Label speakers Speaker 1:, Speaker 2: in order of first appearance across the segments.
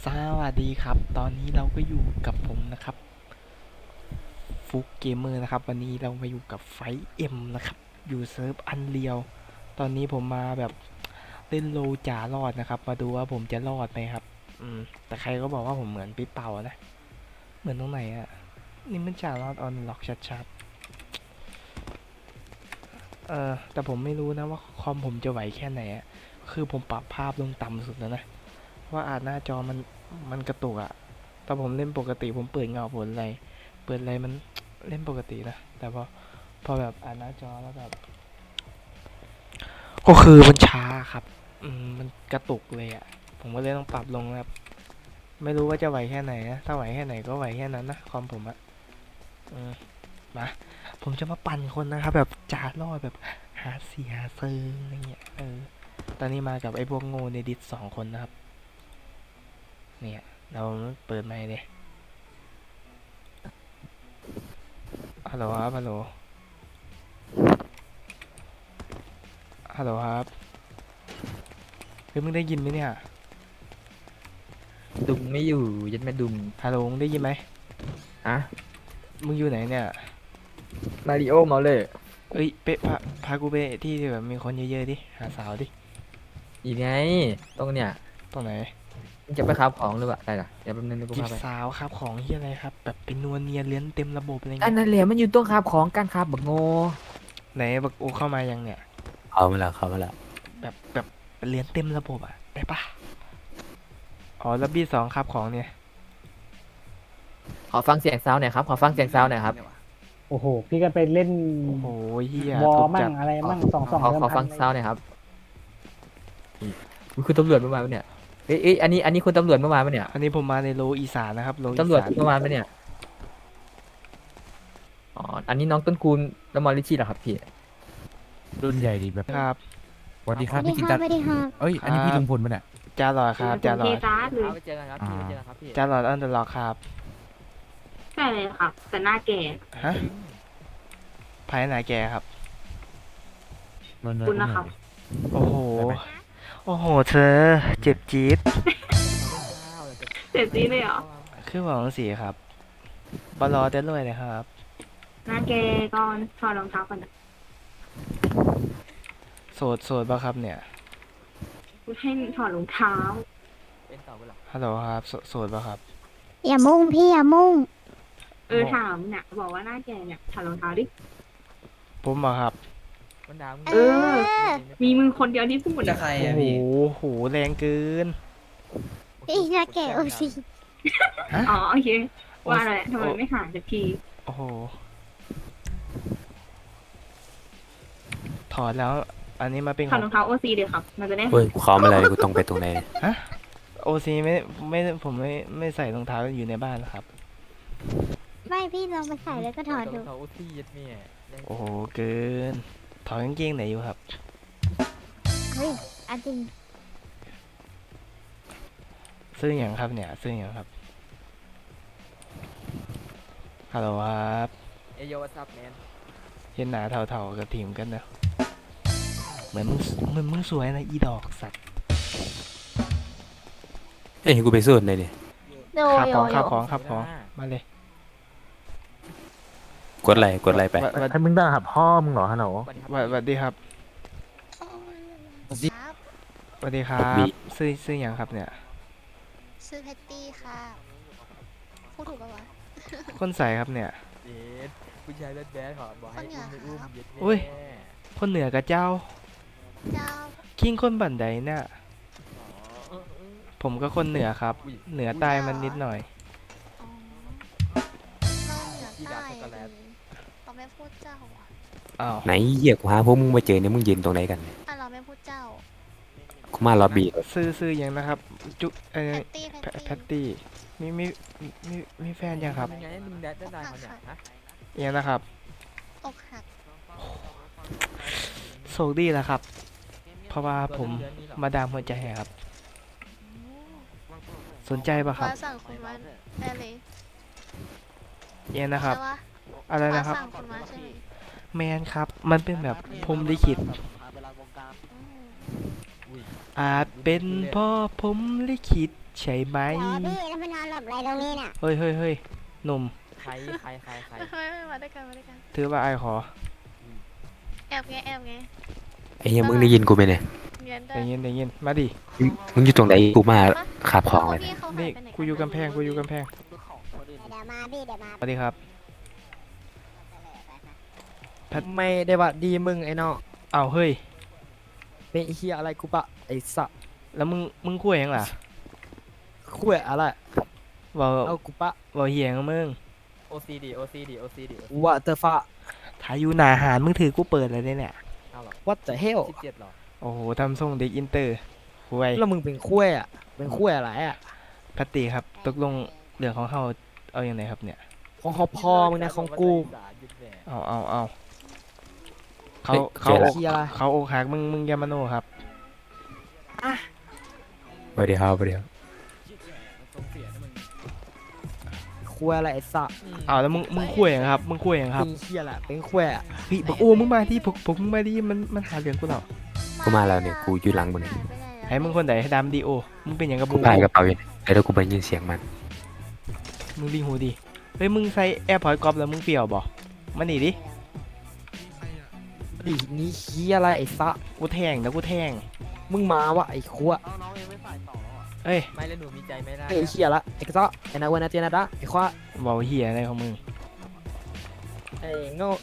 Speaker 1: สวัสดีครับตอนนี้เราก็อยู่กับผมนะครับฟุกเกมเมอร์นะครับวันนี้เรามาอยู่กับไฟเอ็มนะครับอยู่เซิร์ฟอันเรียวตอนนี้ผมมาแบบเล่นโลจ่ารอดนะครับมาดูว่าผมจะรอดไหมครับแต่ใครก็บอกว่าผมเหมือนปิ๊เป่านะเหมือนตรงไหนอะนี่มันจ่ารอดออนล็อกชัดๆแต่ผมไม่รู้นะว่าคอมผมจะไหวแค่ไหนอะคือผมปรับภาพลงต่ำสุดแล้วนะว่าอาจหน้าจอมันกระตุกอะตอนผมเล่นปกติผมเปิดเงาผลอะไรมันเล่นปกตินะแต่พอแบบอ่านหน้าจอแล้วแบบก็คือมันช้าครับมันกระตุกเลยอะผมก็เลยต้องปรับลงครับไม่รู้ว่าจะไหวแค่ไหนนะถ้าไหวแค่ไหนก็ไหวแค่นั้นนะคอมผมอะอืมมาผมจะมาปั่นคนนะครับแบบจ่ารอดแบบหาเสียเซิงอะไรเงี้ยตอนนี้มากับไอ้พวกโง่ในดิส2 คนนะครับเนี่ยเราเปิดไมค์เลยฮัลโหลครับฮัลโหลฮัลโหลครับเฮ้ยมึงได้ยินไหมเนี่ย
Speaker 2: ดุงไม่อยู่ยัดแม่ดุง
Speaker 1: ฮัลโหลมึงได้ยินไหม
Speaker 2: อะ
Speaker 1: มึงอยู่ไหนเนี่ย
Speaker 2: มาริโอเมาเลย
Speaker 1: เอ้ยเป๊ะพากูไปที่ที่แบบมีคนเยอะๆดิหาสาวดิ
Speaker 2: อีกไงตรงเนี้ย
Speaker 1: ตรงไหน
Speaker 2: มึงจะไปค้าของหรือเปล่าได้ล่ะเดี๋ยวแป๊บนึงกู
Speaker 1: จีบ
Speaker 2: พาไป
Speaker 1: สาวครับของที่อะไรครับแบบเป็นนวลเนียเลี้ยนเต็มระบบอะไร
Speaker 2: อัน
Speaker 1: เงี้ย
Speaker 2: นั้นแหละมันอยู่ตรงค้าของการค้าบักโง่
Speaker 1: ไหนบักโอเข้ามายังเนี่ย
Speaker 3: เขามาแล้ว
Speaker 1: แบบเลี้ยนเต็มระบบอ่ะได้ปะอ๋อแล้วB2ครับของเนี่ย
Speaker 2: ขอฟังเสียงซาวหน่อยครับขอฟังเสียงซาวหน่อยครับ
Speaker 4: โอ้โห พี่ก็ไปเล่น
Speaker 1: โอ้โหเฮียว
Speaker 4: อ
Speaker 1: ทุบ
Speaker 4: มั่
Speaker 1: จัด
Speaker 4: งอะไรมั่งสอง
Speaker 2: ขอ
Speaker 4: เดิมพั
Speaker 2: ฟัง
Speaker 4: นอะไรเงี้ย
Speaker 2: ซาวหน่อยครับคุณตำรวจเมื่อวานปะเนี่ยเอ้ยอันนี้คุณตำรวจเมื่อวานปะเนี่ย
Speaker 1: อันนี้ผมมาในโลอีสานนะครับโลอี
Speaker 2: ตำรวจ
Speaker 1: สาน
Speaker 2: เมื่อวานปะเนี่ยอ๋ออันนี้น้องต้นคูณแล้วมอลลิชี่เหรอครับพี่
Speaker 3: รุ่นใหญ่ดีแบบ
Speaker 1: ครับ
Speaker 3: สวัสดีค
Speaker 5: สวัสดี
Speaker 3: รับพี่จินตัด
Speaker 5: ค่ะสวัสดีค่ะ
Speaker 3: เอ้ยอันนี้พี่ลุงพลปะเนี่ย
Speaker 1: จ้าหลอดครับจ้าหลอด
Speaker 2: ไปเจอกันครับพี่ไปเจอกันครับพี่
Speaker 1: จ้าหลอดอันเดอร์ล็อกครับ
Speaker 5: ใช่เลยค่ะแต่หน้าแก่
Speaker 1: ฮะภายไหนแกครับ
Speaker 3: มัน
Speaker 5: คุณนะครับ
Speaker 1: โอ้โห โอ้โห เธอ เจ็บจี๊ด
Speaker 5: เจ็บจีเลยเหรอ
Speaker 1: คือหวังสีครับบอลลอได้เลยนะครับ
Speaker 5: หน้าแก่ก่อนถอดรองเท้าก่อนนะ
Speaker 1: โสดป่ะครับเนี่ย
Speaker 5: คุณให้ถอดรองเท้า
Speaker 2: เป็นต่อเวลา
Speaker 1: ฮัลโหลครับโสดป่ะครับ
Speaker 5: อย่ามุ่งพี่อย่ามุ่งถามเนี่ยบอกว่าหน้าแก่เนี่ยถอดรองเท้าดิ
Speaker 1: ผมป่ะครับ
Speaker 2: มันดาว
Speaker 5: เออ มีมึงคนเดียวที่พูด
Speaker 6: จะใคร
Speaker 1: โอ้
Speaker 6: อะ
Speaker 1: โห
Speaker 6: พี่
Speaker 1: โห แรงเกิน
Speaker 5: พี่หน้าแก่โอซี
Speaker 1: ฮะ
Speaker 5: อ๋อโอเคว่าอะไรทำไมไม่หาสักที
Speaker 1: โอ้โห ถอดแล้ว อันนี้มาเป็น
Speaker 5: ถ
Speaker 1: ข
Speaker 5: อ
Speaker 1: อ
Speaker 5: ด
Speaker 1: ง
Speaker 5: รองเท้าโอซีเดี๋ยวครับ มันจะได้
Speaker 3: เฮ้ยกูเข้ามาเลยกูต้องไปตรงไหน
Speaker 1: ฮะโอซีไม่ผมไม่ใส่รองเท้าอยู่ในบ้านนะครับ
Speaker 5: ไม่พี่ลองไปใส่แล้วก็ถอดดู
Speaker 2: เขาที่ยัดเมีย
Speaker 1: โอ้โห เกิน ถอดกางเกงไหนอยู่ครับ
Speaker 5: เฮ้ยอันจริง
Speaker 1: ซื้ออย่างครับเนี่ย ซื้ออย่างครับ ฮัลโหลครับ
Speaker 2: เอโยวัสับแมน
Speaker 1: เห็นหนาเท่าๆกับทีมกันนะเหมือนมึงสวยนะอีดอกสัตว์
Speaker 3: เอ้ยกูไปสู้ไหนดิ
Speaker 5: โด
Speaker 1: ขับ
Speaker 5: โย
Speaker 1: ของ
Speaker 5: โย
Speaker 1: ขับของขับของมาเลย
Speaker 3: กดไลค์ไป
Speaker 4: ให้มึงด่าพ่อมึงเหรอฮัลโหล
Speaker 1: สวัสดีครับสวัสดีครับซื้ออย่างครับเนี่ย
Speaker 5: ซื้อแพตตี้ค่ะพูดถูกปะวะ
Speaker 1: คนใส่ครับเนี่ย
Speaker 2: เย็ดผู้ชายแบดๆขอบอกให้อุ้มไม่อุ้มเย็ดแม่
Speaker 1: อุ้ย คนเหนือกับเจ้า
Speaker 5: เจ้า
Speaker 1: คิงคนบันไดเนี่ย
Speaker 2: อ๋อ
Speaker 1: ผมก็คนเหนือครับ เหนือใต้มันนิดหน่อย
Speaker 5: อ๋อเราเหนือใต้เราไม่พูดเจ้าอ่ะ
Speaker 1: อ้าว
Speaker 3: ไหนเหี้ยกูหาพวกมึงมาเจอเนี่ยมึงยืนตรงไหนกันเนี่ย
Speaker 5: เราไม่พูดเจ้า
Speaker 3: กูมาล็อบบี้
Speaker 1: ซื้ออย่างนะครับ จุ
Speaker 5: แพตตี้
Speaker 1: แพตตี้มีแฟนยังครับ
Speaker 2: ยังไงมึงแดดได้เขาเนี่ยฮะ
Speaker 1: ยังนะครับ
Speaker 5: อกหัก
Speaker 1: โชคดีแล้วครับ เพราะว่าผมมาดามหัวใจครับ สนใจปะครับ
Speaker 5: ว่าสั่งคุณมาได้เลย
Speaker 1: ยังนะครับ
Speaker 5: ใช่ปะ
Speaker 1: อะไรนะครับ
Speaker 5: ว่าสั่งคุณมาใช่ไหม
Speaker 1: แมนครับ มันเป็นแบบพรหมลิขิต
Speaker 5: อืม
Speaker 1: อาจเป็นเพ่อผมลิขิตใช่ไหม
Speaker 6: พี่แล้วมานอนหลับอะไรตรงนี้เนี่ย
Speaker 1: เฮ้ยเฮ้ยเฮ้ยหนุ่ม
Speaker 2: ใคร
Speaker 5: ไม่มาด้วยกันมาด้วยกัน
Speaker 1: ถือว่าไอ้ขอ
Speaker 5: แอบไงแอบไง
Speaker 3: ไอ้เหี้ยมึงได้ยินกูไหมเนี่ย
Speaker 5: เรียนด้
Speaker 1: ได้
Speaker 5: วย
Speaker 1: ยินได้ยินมาดิ
Speaker 3: มึงอยู่ตรงไหนกูมาขาบของเลย
Speaker 5: พี่เขาหา
Speaker 1: นี่
Speaker 5: ไปไหน
Speaker 1: กูอยู่กำแพงกูอยู่กำแพง
Speaker 6: เดี๋ยวมาพี่เดี๋ยวมา
Speaker 1: สวัสดีครับ
Speaker 2: ไม่ได้ว่าดีมึงไอ้น้อง
Speaker 1: อ้าวเฮ้ย
Speaker 2: เป็นเฮียอะไรกูปะไอ้สัตว์
Speaker 1: แล้วมึงคุยยังล่ะ
Speaker 2: คุยอะไร
Speaker 1: เว่า
Speaker 2: เอากูปะ
Speaker 1: เว่าเหี้ยงกับมึง
Speaker 2: OCD What the fuck
Speaker 1: ถ้าอยู่หนาหารมึงถือกูเปิดเลยเนี่ย
Speaker 2: What the hell 17หรอ
Speaker 1: โอ้โหทำทรงเด็กอินเตอร์คุย
Speaker 2: แล้วมึงเป็นคุยอ่ะเป็นคุยอะไรอ่ะ
Speaker 1: พัตติครับตกลงเรื่องของเขาเอาอย่างไรครับเนี่ย
Speaker 2: ของเขาพอมึงนะของกู
Speaker 1: เอาเขา
Speaker 3: เฮ้ย
Speaker 1: เขา
Speaker 3: เจอแล้ว
Speaker 2: เฮียอะไร
Speaker 1: เขาอกหักมึงอยามาโนครับ
Speaker 3: สวัสดีครับสวัสดีครับ
Speaker 2: คุยอะไรไอ้สัตว์
Speaker 1: เอาแล้วมึงคุยยังครับมึงคุยยังครับ
Speaker 2: เป็นเฮียแหละเป็นคุยอ่ะ
Speaker 1: พี่บอกโอ้มึงมาที่ผมมึงมาดิมันหาเรื่องกูเหรอ
Speaker 3: กูมาแล้วเนี่ยกูอยู่หลังมึงเนี่ย
Speaker 1: ให้มึงคนไหนให้ดำดีโอมึงเป็นอย่างกับ
Speaker 3: กู
Speaker 1: มึง
Speaker 3: พายกระเป๋าอยู่เนี่ยแล้วกูไปยินเสียงมัน
Speaker 1: มึงดีหูดีเฮ้ยมึงใส่แอร์พอร์ตกรอบแล้วมึงเปรียวบ่มาหนีดิ
Speaker 2: ดินี่เฮียอะไรไอ้สัตว์
Speaker 1: กูแทงนะกูแทง
Speaker 2: มึงมาวะไอ้คุย
Speaker 1: เอ้ย
Speaker 2: ไม่แล้วหนูมีใจไม่ได้ไอ้เฮียละไอ้กระเซาะไอ้นาวันนาเตียนาดะไอ้ควา
Speaker 1: เบาเหี้ยอะไรของมึง
Speaker 2: ไอ้โง่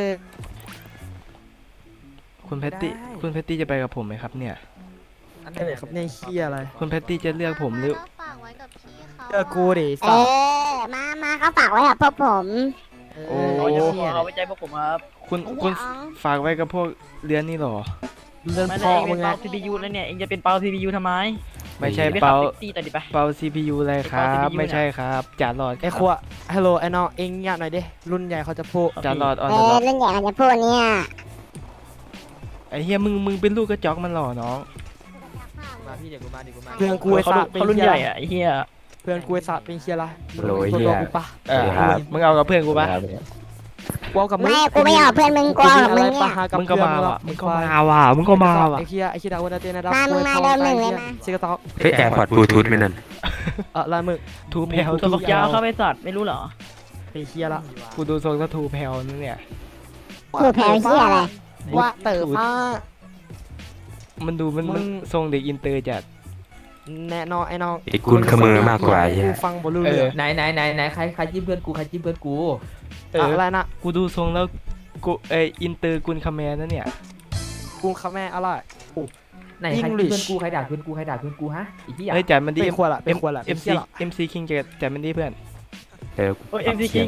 Speaker 1: คุณแพตตี้
Speaker 2: ได้
Speaker 1: คุณแพตตี้จะไปกับผมไหมครับเนี่ย
Speaker 2: อันไหนครับเนี่ยเฮียอะไร
Speaker 1: คุณแพตตี้จะเลือกผมหรือ
Speaker 5: ฝากไว้กับพี่เขา
Speaker 2: เจอกูดิ
Speaker 6: เอ
Speaker 2: สัตว์
Speaker 6: มาเขาฝากไว้กับพวกผม
Speaker 1: โอ้
Speaker 7: เอาไว้ใจพวกผมครับ
Speaker 1: คุณ
Speaker 6: ไอ้อ๋อง
Speaker 1: ฝากไว้กับพวกเรือนนี่เหรอ
Speaker 2: เรื่อง
Speaker 7: ไม่
Speaker 2: พ่
Speaker 7: ได้
Speaker 2: อ
Speaker 7: เอง
Speaker 2: มึ
Speaker 7: เป็น
Speaker 2: งไง
Speaker 7: เปา CPU แล้วเนี่ยเองจะเป็นเปา CPU ทำไม
Speaker 1: ไม่ใช่
Speaker 7: ไปขั
Speaker 1: เปา
Speaker 7: บแท็กซี่ต่อดิไป
Speaker 1: เปา CPU อะไรครับ
Speaker 7: CPU
Speaker 1: ไม่ใช่ครับจานหลอด
Speaker 2: ไอ้ขวะฮัลโหลไอ้น้องเอ็งเงียบหน่อยดิรุ่นใหญ่เขาจะพูด
Speaker 1: จานหลอดออน
Speaker 6: เอ
Speaker 1: เดอะ
Speaker 6: อ
Speaker 1: ล็อก
Speaker 6: เรื่องใหญ่มันจะพูดเนี่ย
Speaker 1: ไอ้เฮียมึงเป็นลูกกระจอกมันหล่อน้อง
Speaker 2: มาพี่เดี๋ยวกูมาเพื่อนกูไอ้
Speaker 7: เขา
Speaker 2: สัตว์
Speaker 7: เขารุ่นใหญ่อะไอ้เหี้ย
Speaker 2: เพื่อนกูไอ้สัตว์เป็นเฮียอะไร
Speaker 3: โหลไอ้
Speaker 2: มึง
Speaker 3: เหี้ย
Speaker 2: โดนกูปะ
Speaker 1: เออ
Speaker 3: ครับ
Speaker 1: มึงเอากับเพื่อนกูปะ
Speaker 2: กูเอากับมึง
Speaker 6: ไม่กูไม่เอาเพื่อนมึงกูเอากับมึงเนี่ย
Speaker 1: มึงก็มาว่ะมึงก็มาว่ะมึงก็มาว่ะ
Speaker 2: ไอ้เฮียดาวนาเตียนาดะ
Speaker 6: มามึงมาเดิมหนึ่งเลยมา
Speaker 2: ซิกตอก
Speaker 3: เฮ้ยแอร์พอร์ตบลูทูธไม่นั่น
Speaker 2: ลายมึง
Speaker 1: ทูแพลว
Speaker 7: ตัว
Speaker 1: ทู
Speaker 7: บัก
Speaker 1: แพล
Speaker 7: ยาว
Speaker 1: ว
Speaker 7: เข้าไปสัตว์ไม่รู้เหรอ
Speaker 2: เป็นเฮียละ
Speaker 1: กูดูทรงก็ทูแพลวนั่นเนี่ย
Speaker 6: พูดแผลเหี้ยอะไร
Speaker 2: ว่าเต๋อผ้า
Speaker 1: มันดูมัน
Speaker 2: มึง
Speaker 1: ทรงเด็กอินเตอร์จัด
Speaker 2: แน่นอนไอ้น้อง
Speaker 3: ไอ้กุนขมือมากกว่าไอ้เหี้ย
Speaker 2: กูฟังบอลลูนเลย
Speaker 8: ไหนใครจิ้มเพื่อนกูใครจิ้มเพื่อนกู
Speaker 2: อะไรนะ
Speaker 1: กูดูทรงแล้วกูอินเตอร์กุนคาแมนนั่นเนี่ย
Speaker 2: กูคาแม่อะไร
Speaker 8: ไหนใครจิ้ม
Speaker 2: English
Speaker 8: เพื่อนกูใครด่าเพื่อนกูใครด่าเพื่อนกูฮะไอ้เหี้ย
Speaker 1: เฮ้ยจัดมันดี
Speaker 2: เป็นขวดละเป็นขวดละ
Speaker 1: เอ็ม
Speaker 2: เป็นเหี้
Speaker 1: ซี
Speaker 2: ยละ
Speaker 1: เอ็มซีคิงจัดมันดีเพื่อน
Speaker 3: เดี๋ยว
Speaker 7: โอ้ย MC King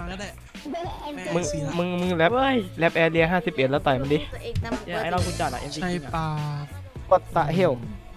Speaker 1: มึงแรป
Speaker 7: เว้ย
Speaker 1: แรปแอเรีย51แล้วต่อยมันดิ
Speaker 5: ตัวเองนำ
Speaker 7: เดี๋ยวไอ้เราคุณจัดอะ MC King อะ
Speaker 2: วัตตะเฮล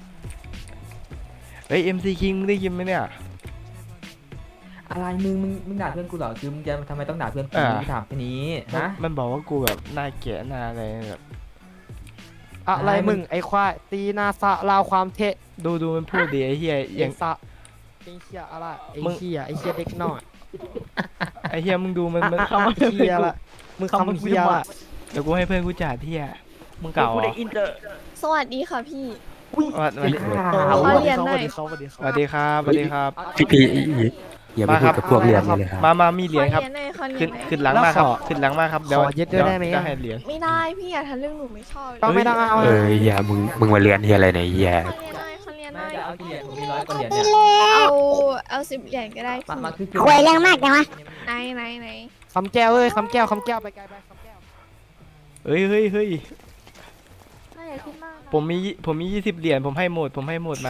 Speaker 1: เฮ้ย MC King มึงได้ยินไหมเนี่ย
Speaker 8: อะไรมึงด่าเพื่อนกูเหรอคือมึงจะทำไมต้องด่าเพื่อนกู
Speaker 1: อ่า
Speaker 8: มึงถามแค่นี้ฮะ
Speaker 1: มันบอกว่ากูแบบหน้าแก่หน้าอะไรแบบ
Speaker 2: อะไรมึงไอ้ควายตีหนาสะลาวความเทะ
Speaker 1: ดูมันพูดดิไอ้เหี้ยอ
Speaker 2: เอ็
Speaker 1: ย่าง
Speaker 2: งสะไอ้เหี้ยอะไรไอ้
Speaker 1: มึง
Speaker 2: เหี้ยเด็กน้อย
Speaker 1: ไอ้เหี้ยมึงดูมัน
Speaker 2: คำว่าเหี้ยละมึงคำเหี้ยละ
Speaker 1: เดี๋ยวกูให้เพื่อนกูจ่าเที่ยมึงเก่า
Speaker 7: กู
Speaker 1: เหร
Speaker 7: ได้
Speaker 1: อ
Speaker 7: อินเตอร์
Speaker 5: สวัสดีค่ะพี่
Speaker 1: วัสดี
Speaker 5: ขอเรียนหน่อย
Speaker 2: สวัสดี
Speaker 1: สวัสดีครับสวัสดีครับ
Speaker 3: พี่อย่าไปพูดกับพวกเรียนนี่เลยครับ
Speaker 1: มามีเหรียญครับ
Speaker 5: ขอเรียนหน่อยขอเรีย
Speaker 1: ขึ้
Speaker 5: น
Speaker 1: น
Speaker 5: หน่อย
Speaker 1: ขึ้นหลังมาครับขึ้นหลังมาครับเดี๋ยว
Speaker 2: ขอยึดด้วยได้ไหม
Speaker 1: จะให้เหรียญ
Speaker 5: ไม่ได้พี่อย่าทำเรื่องหนูไม่ชอบ
Speaker 2: ต้องไม่ต้องเอา
Speaker 3: เอออย่ามึงมาเรียนเฮียอะไรเนี่ยเฮีย
Speaker 5: ขอเรียนหน่อยขอเรียนห
Speaker 8: น่า
Speaker 5: น่อย
Speaker 8: จะเอากี่เหรียญผมมี100กว่าเหรียญ
Speaker 6: ไป
Speaker 8: เนี่ย
Speaker 6: เลย
Speaker 5: เอา10 เหรียญก็ได้
Speaker 8: มา
Speaker 5: พี่
Speaker 8: คือ
Speaker 6: คุยเรื่องมากจังวะ
Speaker 5: ไหน
Speaker 2: คำแก้วเอ้ยคำแก้วไปไกลไปคำแก้ว
Speaker 1: เฮ้ย
Speaker 5: ไม่อยากคิดมาก
Speaker 1: ผมมี20 เหรียญผมให้หมดมา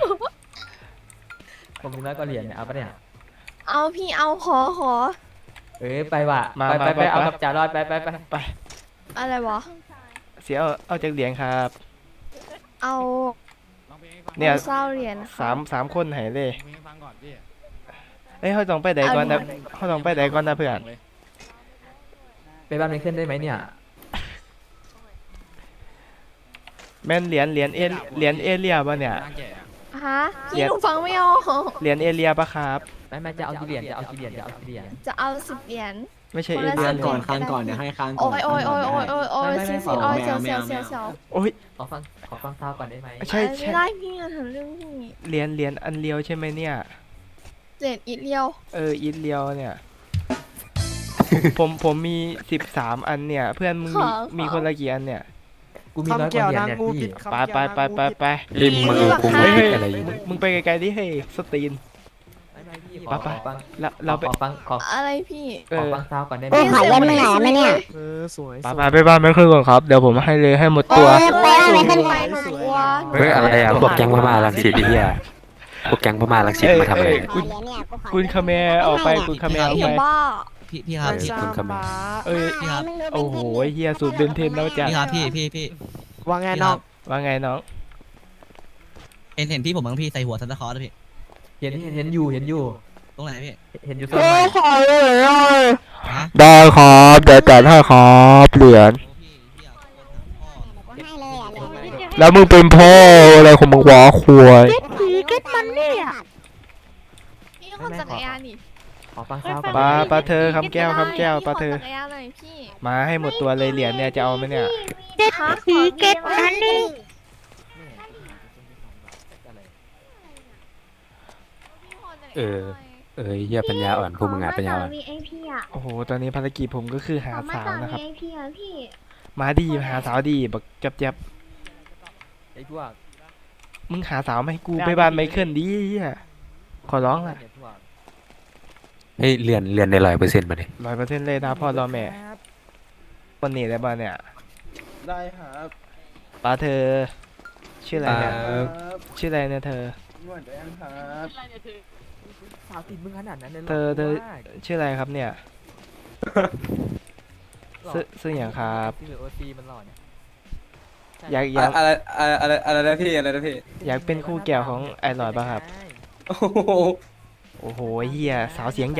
Speaker 8: ผมมี100กว่าเหรียญเนี่ยเอาปะเนี่ย
Speaker 5: เอาพี่เอาขอ
Speaker 8: ไปว่ะไปเอากับจ่ารอดไป
Speaker 5: อะไรวะ
Speaker 1: เสียเอาจากเหรียญครับ
Speaker 5: เอา
Speaker 1: เนี่ย
Speaker 5: เศร้าเหรียญค่ะ
Speaker 1: สามคนให้เลยเอ้ยเขาต้องไปไหนก่อนนะเขาต้องไปไหนก่อนนะเพื่อน
Speaker 8: ไปบ้านไม่ขึ้นได้ไหมเนี่ย
Speaker 1: แม่นเหรียญเอเรียป่ะเนี่ย
Speaker 5: ฮะพี่หนูฟังไม่ออก
Speaker 1: เหรียญเอเรียป่ะครับ
Speaker 8: ไม่จะเอากี่เหรียญจะเอากี่เหรียญ
Speaker 5: จะเอา10 เหรียญ
Speaker 1: ไม่ใช่
Speaker 5: คน
Speaker 1: เอ
Speaker 5: ละ
Speaker 1: เลี่ย
Speaker 5: สิ
Speaker 1: น
Speaker 5: บ
Speaker 1: เนี่ย
Speaker 5: คานก่อนเดี๋ยวให้คานโอ้ยโอ้ยโอ้ยโอ้ยโอ้ยโอ้ยเสียวโอ้ยเสียวเสียวเสียวเสียวเสียว
Speaker 1: โอ้ย
Speaker 8: ขอฟังซาวก่อนได้ไหม
Speaker 1: ใช่
Speaker 5: ไม่
Speaker 1: ใช่
Speaker 5: ได้พี่อะถึงเรื่องนี้
Speaker 1: เหรียญอันเลียวใช่ไหมเนี่ย
Speaker 5: เจ็ดอีเลียว
Speaker 1: อีทเลียวเนี่ย ผมมี13 อันเนี่ย เพื่อนมึงมีคนละกี่อันเนี่ย
Speaker 8: กูมีร้อย
Speaker 2: คำ
Speaker 8: ก
Speaker 2: แก้ว
Speaker 8: ว่าเหรียญ
Speaker 2: นาง
Speaker 8: เนี่ย
Speaker 2: งู
Speaker 8: พี่
Speaker 2: ผิดคำ
Speaker 1: ไป
Speaker 2: แก้ว
Speaker 1: ไปไป
Speaker 2: นางงู
Speaker 1: ไป
Speaker 2: ผิด
Speaker 1: ไป
Speaker 3: เฮ้ยมึงกูไม่ได้อะไรอยู่
Speaker 1: มึงไปไกลๆดิเฮ้ยสตรีน
Speaker 8: ไม่พี่
Speaker 1: ไปไป
Speaker 8: ขอฟัง
Speaker 1: แล้วเราไป
Speaker 8: ขอฟังขอ
Speaker 5: อะไรพี่
Speaker 1: เอ
Speaker 8: ขอ
Speaker 1: อ
Speaker 8: ฟังซาวก่อนได้ไหม
Speaker 6: โอ้ขอเล่นมึงหน่อยไหมเนี่ย
Speaker 2: สวย
Speaker 1: ไปไปบ้านไม่ขึ้นก่อนครับ เดี๋ยวผมให้เลยให้หมดตัว
Speaker 6: ไปบ้านไม่ขึ้น
Speaker 5: ไปหนูกลัว
Speaker 3: เฮ้ยอะไรอ่ะพวกแก๊งพม่าลังสิตไอ้เหี้ยพวกแก๊งพม่าลังสิตมาทำอะไร
Speaker 1: คุณคาเมร์ออกไปคุณคาเมร์ออก
Speaker 5: พี่
Speaker 1: ไป
Speaker 5: บ้า
Speaker 9: พี่ครับ
Speaker 3: เออคุณคำ
Speaker 2: ป้า
Speaker 1: เอ้ย
Speaker 9: พี่ครับ
Speaker 1: โอ้โหเฮียสูตรเบนเทนแล้วจ้ะ
Speaker 9: พี่ครับพี่
Speaker 2: ว่าไงน้อง
Speaker 1: ว่าไงน้อง
Speaker 9: เห็นพี่ผมบ้างพี่ใส่หัวซันตาคลอสด้วยพี่
Speaker 8: เห็นอยู่
Speaker 9: ตรงไหนพี่
Speaker 8: เห็นอยู่ส่วนไหน
Speaker 9: ฮะ
Speaker 1: ได้ครับเดี๋ยวจัดให้ครับเหรียญ
Speaker 9: พี่อยากโอนหาพ่อ
Speaker 6: ให้เลยอ่ะเลย
Speaker 1: แล้วมึงเป็นพ่ออะไรของมึงวะควย
Speaker 5: พี่คนจักรยานนี่
Speaker 8: ขอฟังซาวก่อน
Speaker 1: ปลาเธอคำแก้วปลาเธอ
Speaker 5: พี่คนจักรยานหน่อยพี่
Speaker 1: มาให้หมดตัวเลยเหรียญเนี่ยจะเอาไหมเนี่ย
Speaker 5: ฮะขอเก็ตอันนึง
Speaker 3: เหี้ยปัญญาอ่อนพวกมึงอ่ะปัญญาอ่อน
Speaker 6: VIP อ่ะ
Speaker 1: โอ้โหตอนนี้ภารกิจผมก็คือหา
Speaker 6: ขอมา
Speaker 1: สาว
Speaker 6: ต่อ
Speaker 1: นะครับ
Speaker 6: VIP อ่ะพี่
Speaker 1: มาดีหาสาวดีบักจับ
Speaker 8: ไอ้พวก
Speaker 1: มึงหาสาวมาให้กูไปบ้านไมเคิลดิเหี้ยขอร้องล่ะ
Speaker 8: ไอ้พวก
Speaker 3: เฮ้ยเรียนได้100%มาดิ
Speaker 1: 100%เลยนะพ่อรอแม่วันนี้ได้บ้านเนี่ย
Speaker 10: ได้ครับ
Speaker 1: ปลาเธอ ชื่ออะไรเนี่ย ชื่ออะไรเนี่ยเธอ
Speaker 10: นวดแดงครับ
Speaker 8: สาวติดมึงขนาดนั้นเลยหรอ
Speaker 1: เธอ
Speaker 8: ว่า
Speaker 1: ชื่ออะไรครับเนี่ย ซื้ออย่างครับ
Speaker 8: ที่เหลือโอซีมันหล่อเนี่ย
Speaker 1: อยาก
Speaker 10: อะไรนะพี่อะไรนะพี่
Speaker 1: อยากเป็นคู่แก้วของไอ้หลอดป่ะครับ
Speaker 10: โอ้โห
Speaker 1: โอ้โหเฮียสาวเสียงใหญ่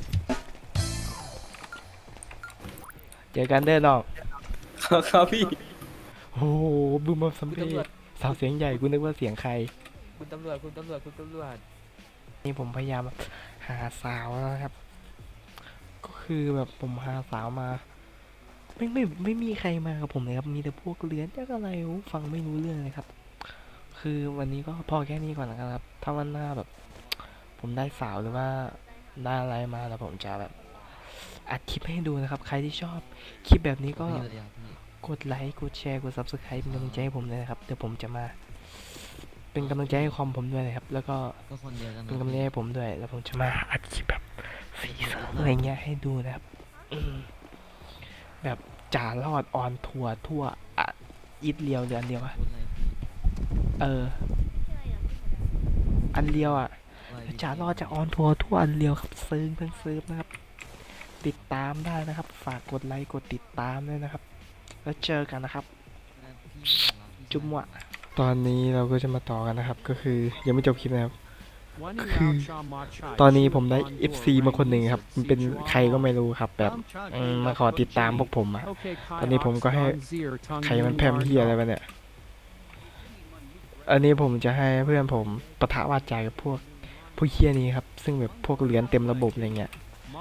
Speaker 1: เจอกันเด้อน้อง
Speaker 10: ครับพี่
Speaker 1: โอ้โหบึ้มมาสัม
Speaker 8: คุณ
Speaker 1: เพ
Speaker 8: ตำรวจ
Speaker 1: สาวเสียงใหญ่กูนึกว่าเสียงใคร
Speaker 8: คุณตำรวจ
Speaker 1: นี่ผมพยายามหาสาวนะครับ ก็คือแบบผมหาสาวมา ไม่มีใครมากับผมเลยครับ มีแต่พวกเลื้อนจากอะไรวะฟังไม่รู้เรื่องเลยครับ คือวันนี้ก็พอแค่นี้ก่อนแล้วกันครับ ถ้าวันหน้าแบบ ผมได้สาวหรือว่าได้อะไรมาแล้วผมจะแบบอัดคลิปให้ดูนะครับ ใครที่ชอบคลิปแบบนี้ก็กดไลค์กดแชร์กด subscribe เป็นกำลังใจให้ผมเลยนะครับเดี๋ยวผมจะมาเป็นกำลังใจให้คอมผมด้วยนะครับ แล้วก็
Speaker 9: ก็คนเดียวกัน
Speaker 1: เป็นกำลังใจให้ผมด้วย แล้วผมจะมาอัดคลิปแบบสีเสริมอะไรเงี้ยให้ดูนะครับแบบจ่ารอดออนทัวร์ทั่วอ่ะอีทเลียวหรืออันเดียวอะอันเดียวอ่ะจ่ารอดจะออนทัวร์ทั่วอันเดียวครับซื้อเพิ่งซื้อนะครับ ติดตามได้นะครับ ฝากกดไลค์กดติดตามด้วยนะครับ แล้วเจอกันนะครับจุ๊บหวะตอนนี้เราก็จะมาต่อกันนะครับ ก็คือยังไม่จบคลิปนะครับ คือตอนนี้ผมได้ FC มาคนหนึ่งครับมันเป็นใครก็ไม่รู้ครับ แบบมาขอติดตามพวกผมอะตอนนี้ผมก็ให้ใครมันแพมเฮียอะไรไปเนี่ย อันนี้ผมจะให้เพื่อนผมปะทะวาจากับพวกเฮียนี้ครับ ซึ่งแบบพวกเหรียญเต็มระบบอะไรเงี้ย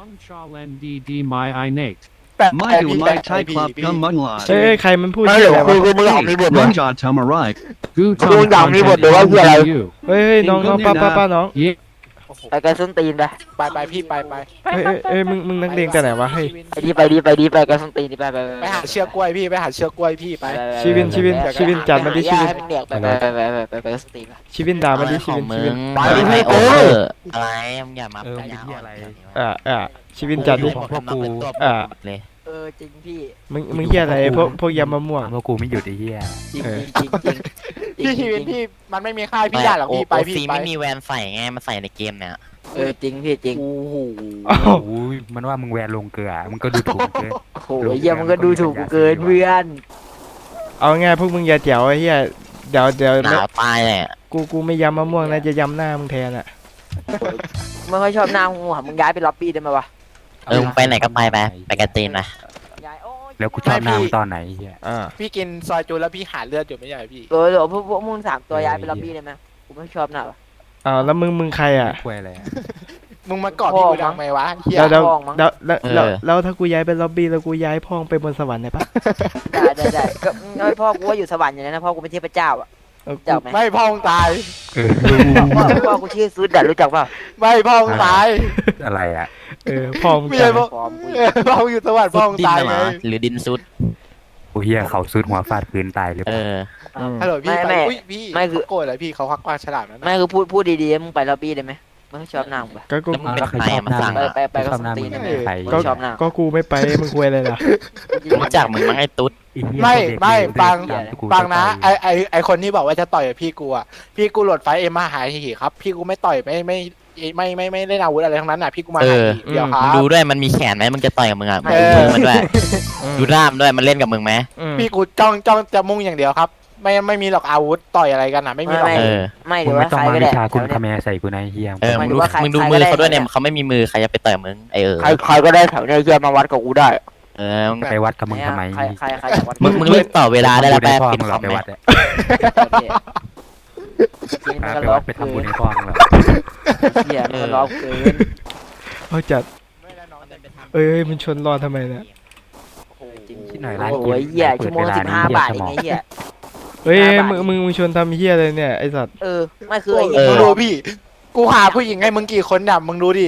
Speaker 10: ไม่ดูไลท์ไทยคลับกัมมันลา
Speaker 1: เอ้ยใครมันพูดเฮียอะไรวะ
Speaker 10: มึงจอดทำอะไร
Speaker 2: ดูอย่างมีบทหรือว่าคืออะไร
Speaker 1: เฮ้ยน้องป้าน้อง
Speaker 2: ไปกันส้นตีนไปพี่ไป
Speaker 1: เอ้ยมึงนักเลงแต่ไหนวะเฮ้ย
Speaker 2: ไปดีไปกันส้นตีนไปหาเชือกกล้วยพี่ไปหาเชือกกล้วยพี่ไป
Speaker 1: ชีวินจัดมาดิชีวิน
Speaker 2: ไปกันส้นตีน
Speaker 1: ชีวินด่ามาดิชีวิน
Speaker 2: ไปดิพี่
Speaker 7: อะไรมึงอย่ามา
Speaker 3: มึงเป็นเหี้ยอะไร
Speaker 1: ชีวินจัดดิ
Speaker 3: ของพวกกู
Speaker 7: เลย
Speaker 2: จริงพี่
Speaker 1: มึงเฮียอะไรพวกยำมะม่วง
Speaker 3: พวกกูไม่หยุดไอ้เหี้ย
Speaker 2: จริงพี่ชีวิตพี่มันไม่มีค่ายพี่ด่าหรอกพี่ไปพี่
Speaker 7: ซี
Speaker 2: ไป
Speaker 7: ไม่มีแวนใส่ไงมาใส่ในเกมเนี่ย
Speaker 2: จริงพี่จริงโอ้โห
Speaker 3: โอ้โหมันว่ามึงแวนลงเกลือมึงก็ดูถูกเกิน
Speaker 2: โอ้ยเยี่ยมันก็ดูถูกกูเกินเพื่อน
Speaker 1: เอาง่ายพวกมึงอย่าเจ๋วไอ้เฮียเดี๋ยว
Speaker 7: หนาวตายเลย
Speaker 1: กูไม่ยำมะม่วงนะจะยำหน้ามึงแทนอ่ะ
Speaker 2: ไม่ค่อยชอบหน้าหัวมึงย้ายไปล็อบบี้ได้ไหมวะ
Speaker 7: มึงไปไหนก็ไปกันตีนนะ
Speaker 3: แล้วกูชอบหน้ามึงตอนไหนไอ้เหี้ย
Speaker 2: พี่กินซอยจูแล้วพี่หาเลือดอยู่ไม่ใช่พี่เดี๋ยวพวกมึง3 ตัวย้ายไปล็อบบี้ได้ไหมกูไม่ชอบหน้าวะ
Speaker 1: แล้วมึงใครอ่ะ
Speaker 3: คุยอะไรอะ
Speaker 2: มึงมาก่อพี่กูทำไมวะเฮีย
Speaker 1: แล้ว
Speaker 2: พ่องมั้ง
Speaker 1: แล้วถ้ากูย้ายไปล็อบบี้แล้วกูย้ายพ่องไปบนสวรรค์ได้ปะ
Speaker 11: ได้ก็ไม่พ่อกูว่าอยู่สวรรค์อย่างนั้นนะพ่อกูเป็นเทพเจ้าอ่ะ
Speaker 1: เออ
Speaker 11: เจ้าไหม
Speaker 2: ไม่พ่องตาย
Speaker 11: พ่อกูชื่อซุดอะรู้จักเปล่า
Speaker 2: ไม่พ่องตาย
Speaker 3: อะไรอ่ะ
Speaker 1: พ่อง
Speaker 2: ไม่ใช่พ่อ
Speaker 11: ฟอร์มกู
Speaker 2: พ่องอยู่สวรรค์
Speaker 7: ซุ
Speaker 2: พ่อ
Speaker 7: ด
Speaker 2: ง
Speaker 7: ดิน
Speaker 2: ตาย
Speaker 7: น่ะห
Speaker 2: ไง
Speaker 7: มาหรือดินซุด
Speaker 3: โอ้เฮียเขาซุดหัวฟาดพื้นตายเลย
Speaker 7: เออ
Speaker 2: ฮัลโหลพี่
Speaker 11: ไม่
Speaker 2: อุ้ยพี่
Speaker 11: ไม่คือ
Speaker 2: เขาโกรธอะไรพี่เขาควักปากฉลามนั่น
Speaker 11: ไม่
Speaker 2: นะ
Speaker 11: คือพูดดีๆมึงไปล็อบบี้ได้ไหมมึงชอบหน้ามึงปะ
Speaker 1: ก็กู
Speaker 7: แล้วมึงเป็นใครอะมาสั่ง
Speaker 11: ไปก็
Speaker 3: ชอบหน้า
Speaker 11: ตี
Speaker 3: มึ
Speaker 11: น
Speaker 3: ง
Speaker 11: ได้ไหม
Speaker 3: ใคร
Speaker 11: ก็ชอบหน้า
Speaker 1: ก็กูไม่ไปมึงคุยอะไรล่ะ
Speaker 7: รู้จักมึงมั้งไอ้ตุ๊ด
Speaker 2: ไม่ปัง
Speaker 3: กู
Speaker 2: ปังนะไอคนที่บอกว่าจะต่อยกับพี่กูอ่ะพี่กูโหลดไฟเอ็มมาหาหีครับ พี่กูไม่ต่อยไม่เล่นอาวุธอะไรทั้งนั้นน่ะพี่กูมา
Speaker 7: เอ
Speaker 2: หา
Speaker 7: อ
Speaker 2: หีเดียวค
Speaker 7: มึ
Speaker 2: รั
Speaker 7: ง
Speaker 2: บ
Speaker 7: ดูด้วยมันมีแขนไหมมึงจะต่อยกับมึงอ่ะ
Speaker 2: เอ
Speaker 7: ดู
Speaker 2: อ
Speaker 7: มือมันด้วย ดูด้ามด้วยมันเล่นกับมึงไหม
Speaker 2: พี่กูจ้องจะมุ่งอย่างเดียวครับ ไม่มีหรอกอาวุธต่อยอะไรกันนะไม่มีหรอก
Speaker 7: เออ
Speaker 11: ไม่
Speaker 3: มึ
Speaker 11: เดี๋
Speaker 3: ง
Speaker 11: ยว
Speaker 3: ไม่
Speaker 11: ว่า
Speaker 3: ต้อง
Speaker 11: ใคร
Speaker 3: มา
Speaker 11: ก็
Speaker 3: วิ
Speaker 11: ได้
Speaker 3: ชาคุณคาแมใส่กูนายเฮีย
Speaker 7: เออ
Speaker 11: ห
Speaker 7: มึ
Speaker 11: มาง ยถึงว่าใคร
Speaker 7: มึงดู
Speaker 11: ใคร
Speaker 7: มื
Speaker 11: ก็
Speaker 7: อ
Speaker 11: ได้
Speaker 7: เขาด้วยเนี่ยเขาไม่มีมือใครจะไปต่อยมึงไอเออ
Speaker 11: ใครก็ได้แถวนี้เชื่อมาวัดกับกูได้
Speaker 7: เออมึง
Speaker 3: ไปวัดกับมึงทำไม
Speaker 11: ใครอยากวัด
Speaker 7: มึงเล่นต่อเวลาได้แล้ว
Speaker 3: ไป
Speaker 7: แป๊บ
Speaker 3: พ่อ
Speaker 7: ปิด
Speaker 3: มึง
Speaker 7: ค
Speaker 3: หร
Speaker 7: อ
Speaker 3: อ
Speaker 7: ม
Speaker 3: ไป
Speaker 7: ไหม
Speaker 3: วัดอะ
Speaker 11: กิน
Speaker 3: ไป
Speaker 11: มันก็
Speaker 3: วั
Speaker 11: ล้อ
Speaker 3: ดไป
Speaker 11: เกิ
Speaker 3: ทำบุญ
Speaker 11: น
Speaker 3: ให้พ่อมึงหรอ
Speaker 11: เหี้ยมันก็ล้อเกิน
Speaker 1: เอาจัดมันชนรอทำไมเนี่ย
Speaker 11: จริง
Speaker 3: ที่ไหนร้าน
Speaker 11: โอ้
Speaker 3: กิน
Speaker 11: ยเหี้ย
Speaker 3: เปิ
Speaker 11: ชั่
Speaker 3: ด
Speaker 11: วโมง
Speaker 3: เว
Speaker 11: ละ
Speaker 3: ลา
Speaker 11: 15 บาท
Speaker 3: ส
Speaker 11: เอง
Speaker 3: มอง
Speaker 11: ไงเหี้ย
Speaker 1: มึงชวนทำเฮียอะไรเนี่ยไอสัตว์
Speaker 11: ไม่คือไอ้
Speaker 2: มึงดูพี่ กูหาผู้หญิงให้มึงกี่คนเนี่ยมึงดูดิ